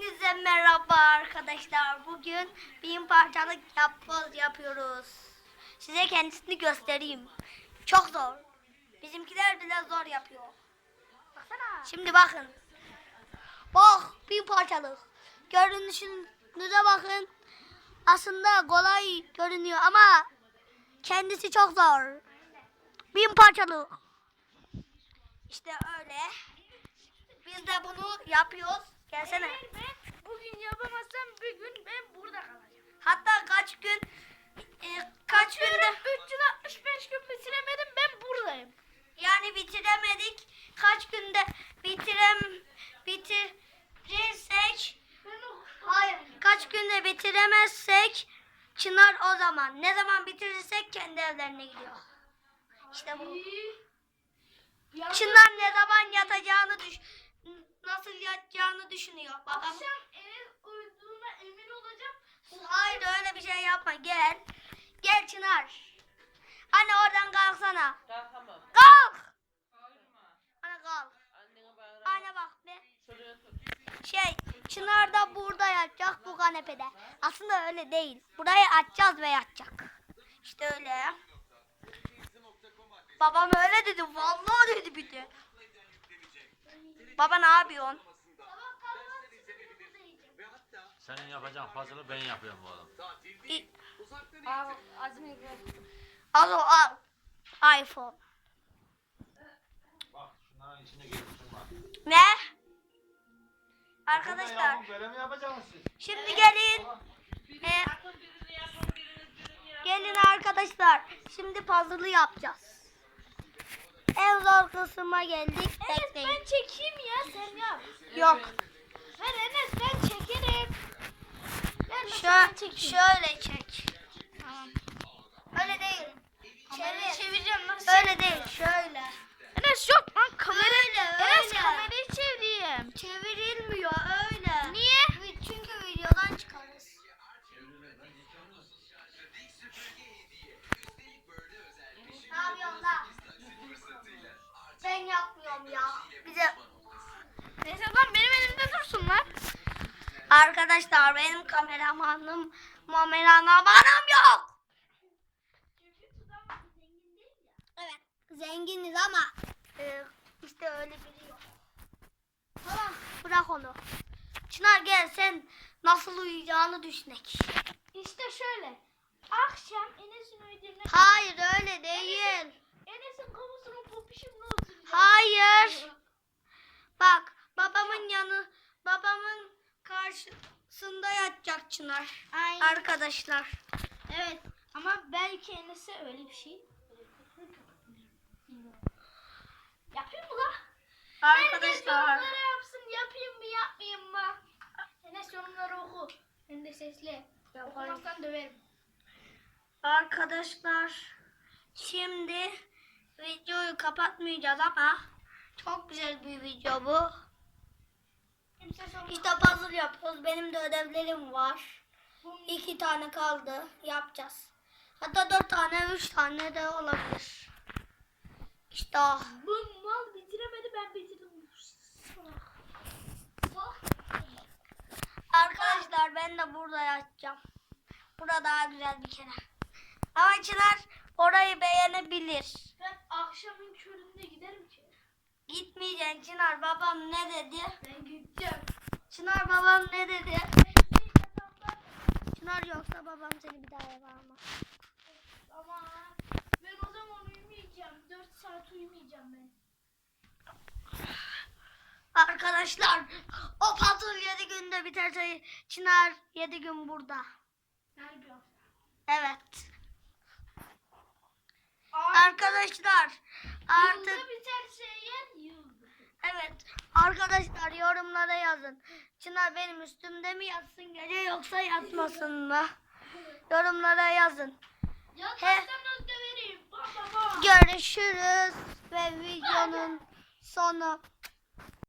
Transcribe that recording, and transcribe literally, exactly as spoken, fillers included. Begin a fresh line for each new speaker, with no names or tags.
Hepinize merhaba arkadaşlar. Bugün bin parçalık yapboz yapıyoruz. Size kendisini göstereyim. Çok zor. Bizimkiler bile zor yapıyor. Baksana. Şimdi bakın. Bak, bin parçalık. Görünüşünüze bakın. Aslında kolay görünüyor ama kendisi çok zor. Bin parçalık. İşte öyle. Biz de bunu yapıyoruz. Gelsene.
Eğer ben bugün yapamazsam bir gün ben burada kalacağım.
Hatta kaç gün e, kaç günde
üç yüz altmış beş gün bitiremedim, ben buradayım.
yani bitiremedik. Kaç günde bitirem bitirirsek hayır kaç günde bitiremezsek Çınar o zaman. Ne zaman bitirirsek kendi evlerine gidiyor. İşte bu. Çınar ne zaman yatacağını düş nasıl yatacağını düşünüyor. Babam.
Akşam eve uyuduğuna emin olacağım.
Hayır öyle bir şey yapma. Gel. Gel Çınar. Anne oradan kalksana.
Kalkamam.
Kalk.
Kalkma.
Anne kalk.
Annene bağırma.
Anne bak be.
Şuraya tut.
Şey Çınar da burada yatacak bu kanepede. Aslında öyle değil. Burayı açacağız ve yatacak. İşte öyle. Babam öyle dedi. Vallahi dedi bir de. Baba ne yapıyorsun?
Senin yapacağın puzzle'ı ben yapıyorum oğlum.
İ-
Al, Azmi gel.
Al o al. iPhone.
Bak şunların içine girmişsin bak.
Ne? Arkadaşlar.
Böyle mi yapacaksınız siz?
Şimdi gelin. Ee, gelin arkadaşlar. Şimdi puzzle'ı yapacağız. En zor kısma geldik.
Enes
Bekleyin.
ben çekeyim ya, sen yap.
Yok.
Ver Enes, ben çekerim. Ver nasıl
Şö
ben çekeyim.
şöyle çek.
Tamam.
Öyle değil.
Kamerayı
Çevir.
çevireceğim nasıl?
Öyle değil. Şöyle.
Enes yok lan, kamerayı.
Öyle,
Enes
öyle.
kamerayı çevireyim.
Çevrilmiyor öyle.
Niye?
Çünkü videodan çıkarız. Ne yapıyorsun lan? Ben yapmıyorum ya. Bize
Neyse lan, benim elimde dursun lan.
arkadaşlar benim kameramanım kameramanım yok. Evet zenginiz ama e, işte öyle biri yok. Tamam bırak onu. Çınar gel sen nasıl uyuyacağını düşünek.
İşte şöyle. Akşam Enes'in ödevine...
Hayır öyle değil.
Enes'in kafasına popişimle oturacağım.
Hayır. Bak babamın yanı babamın karşısında yatacak Çınar.
Aynen.
Arkadaşlar.
Evet. Ama belki Enes'e öyle bir şey. Yapayım mı la? Herkes
Arkadaşlar.
yorumlara yapsın. Yapayım mı yapmayayım mı? Enes yorumları oku. Hem de sesli. Okumazsan döverim.
Arkadaşlar şimdi videoyu kapatmayacağız ama çok güzel bir video bu.
Kimse sorma.
İşte puzzle yapıyoruz. Benim de ödevlerim var. İki tane kaldı. Yapacağız. Hatta dört tane, üç tane de olabilir. İşte o.
Bu mal bitiremedi, ben bitirdim.
Arkadaşlar ben de burada yatacağım. Burada daha güzel bir kere. Ama Çınar orayı beğenebilir.
Ben akşamın köründe giderim ki.
Gitmeyeceksin Çınar. Babam ne dedi?
Ben gideceğim.
Çınar babam ne dedi? Çınar yoksa babam seni bir daha eve almaz.
Ama ben o zaman uyumayacağım. dört saat uyumayacağım ben.
Arkadaşlar o puzzle yedi günde biterse Çınar yedi gün burada.
Nerede?
Evet. Arkadaşlar artık
Yılda biterse yer yılda.
evet arkadaşlar yorumlara yazın. Çınar benim üstümde mi yatsın gece yoksa yatmasın mı? Yorumlara yazın.
Yatarsanız döverim. Baba baba.
Görüşürüz ve videonun sonu.